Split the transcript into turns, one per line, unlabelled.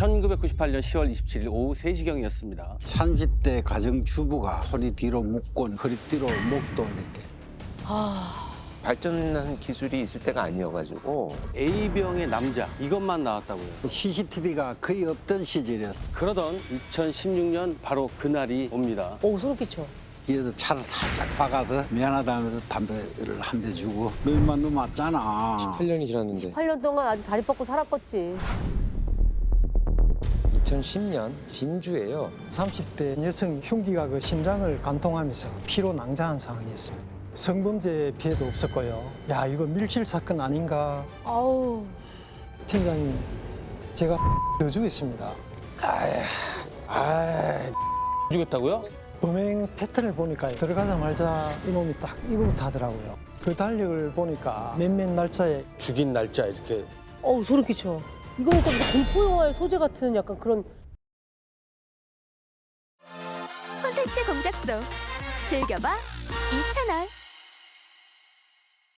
1998년 10월 27일 오후 3시경이었습니다.
30대 가정주부가 소리 뒤로 묶고 허리 뒤로 목도 이렇게.
발전한 기술이 있을 때가 아니어가지고
A병의 남자 이것만 나왔다고요.
CCTV가 거의 없던 시절이었어.
그러던 2016년 바로 그날이 옵니다.
오, 소름 끼쳐.
뒤에서 차를 살짝 박아서 미안하다면서 담배를 한 대 주고 너 인마 너 맞잖아.
8년이 지났는데
8년 동안 아주 다리 뻗고 살았겠지.
2010년 진주에요.
30대 여성 흉기가 그 심장을 관통하면서 피로 낭자한 상황이었습니다. 성범죄 피해도 없었고요. 야, 이거 밀실 사건 아닌가.
아우.
팀장님, 제가 더 주겠습니다.
죽였다고요?
범행 패턴을 보니까 들어가자마자 이놈이 딱 이거부터 하더라고요. 그 달력을 보니까 몇몇 날짜에
죽인 날짜 이렇게.
어우, 소름 끼쳐. 이거는 좀 공포 영화의 소재 같은 약간 그런.
콘텐츠 공작소 즐겨봐 이채널.